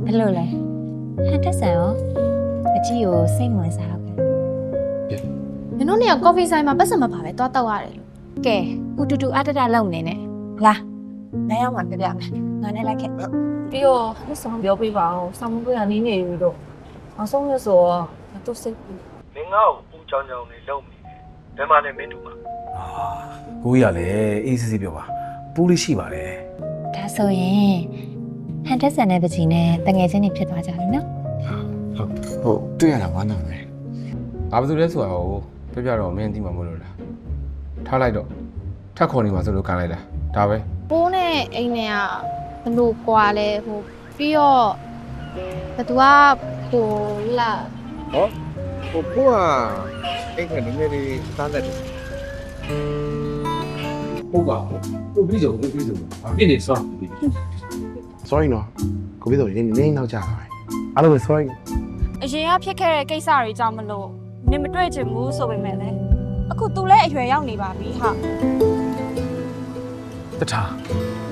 ဘယ်လိုလဲဟန်တက်ဆန်ရောအကြီးကိုစိတ်ဝင်စားတော့ကဲနင်တို့နေကကော်ဖီဆိုင်မှာပတ်စံမပါပဲသွားတောက်ရတယ်လို့ကဲဦးတူတူအတတလုံနေနဲ့လာနိုင်အောင်ပါပြပြမယ်ငါနဲ့လိုက်ခဲ့ပြီးတော့လက်ဆောင်ပြောပေးပါအောင်ဆောင်းမွေးရနေနေပြီးတော့အောင်ဆုံးရဆိုတော့သူစိတ်မင်းငါ့ကိုပူချောင်းချောင်းနေလုံနေတယ်ဘယ်မှာလဲမင်းတို့မှာကိုကြီးကလည်းအေးစစ်စစ်ပြောပါပူးလေးရှိပါတယ်ဒါဆိုရင်ဟန်တက်ဆန်နဲ့ပကြီးနဲ့တငယ်ချင်းတွေဖြစ်သွားကြပြီနော်ဟုတ်တွေ့ရတာဝမ်းသာတယ်။ဘာလို့လဲဆိုတော့ပြပြတော့မင်းသိမှာမဟုတ်လို့လား။ထားလိုက်တော့ထက်ခေါ်နေမှာဆိုလို့ခံလိုက်တာ။ဒါပဲပိုးနဲ့အိမ်နဲ့ကဘလို့ကွာလဲဟိုပြီးတော့ဘသူကဟိုလာဟိုကိုကအိမ်ကနေငယ်လေးသားသက်တယ်ဟုတ်ပါဘူးပြီးဆုံးပြီးဆုံးအပြည့်နေစော sorry နော်ကိုပြီးတော့နေနေနောက်ကြတာပဲအားလုံးပဲ sorry အရင်ကဖြစ်ခဲ့တဲ့ကိစ္စတွေကြောင့်မလို့နင်မတွေ့ချင်ဘူးဆိုပေမဲ့လည်းအခု तू လည်းအရွယ်ရောက်နေပါပြီဟာတထား